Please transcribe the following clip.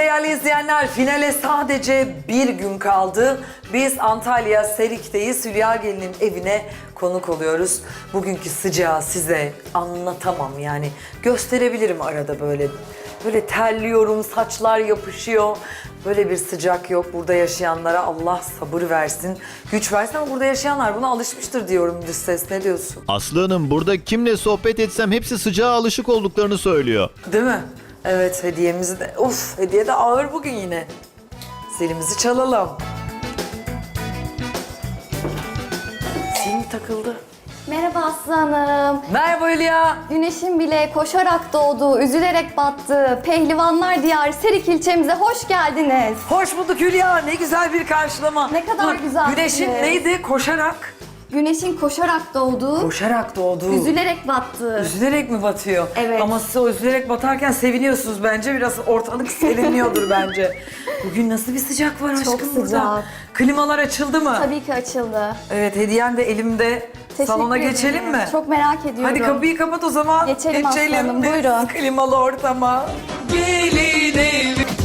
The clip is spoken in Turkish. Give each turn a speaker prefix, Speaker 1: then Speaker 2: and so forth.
Speaker 1: değerli izleyenler, finale sadece bir gün kaldı. Biz Antalya Serik'teyiz. Hülya Gelin'in evine konuk oluyoruz. Bugünkü sıcağı size anlatamam yani. Gösterebilirim arada böyle. Böyle terliyorum, saçlar yapışıyor. Böyle bir sıcak yok. Burada yaşayanlara Allah sabır versin, güç versin ama burada yaşayanlar buna alışmıştır diyorum dış ses. Ne diyorsun?
Speaker 2: Aslı Hanım, burada kimle sohbet etsem hepsi sıcağa alışık olduklarını söylüyor.
Speaker 1: Değil mi? Evet, hediyemizi de... Of, hediye de ağır bugün yine. Zilimizi çalalım. Zil takıldı.
Speaker 3: Merhaba Aslı Hanım.
Speaker 1: Merhaba Hülya.
Speaker 3: Güneşin bile koşarak doğduğu, üzülerek battığı Pehlivanlar Diyarı Serik ilçemize hoş geldiniz.
Speaker 1: Hoş bulduk Hülya. Ne güzel bir karşılama.
Speaker 3: Ne kadar güzel
Speaker 1: Güneşin
Speaker 3: bir-
Speaker 1: neydi? Koşarak.
Speaker 3: Güneşin koşarak doğduğu,
Speaker 1: Koşarak doğdu.
Speaker 3: üzülerek battığı.
Speaker 1: Üzülerek mi batıyor?
Speaker 3: Evet.
Speaker 1: Ama siz o üzülerek batarken seviniyorsunuz bence. Biraz ortalık serinliyordur bence. Bugün nasıl bir sıcak var
Speaker 3: Çok
Speaker 1: aşkım
Speaker 3: sıcak.
Speaker 1: burada? Klimalar açıldı mı?
Speaker 3: Tabii ki açıldı.
Speaker 1: Evet, hediyen de elimde.
Speaker 3: Teşekkür
Speaker 1: Salona
Speaker 3: ederim.
Speaker 1: geçelim mi?
Speaker 3: Çok merak ediyorum.
Speaker 1: Hadi kapıyı kapat o zaman.
Speaker 3: Geçelim Aslı Hanım,
Speaker 1: biz
Speaker 3: buyurun.
Speaker 1: klimalı ortama. Gelin evi.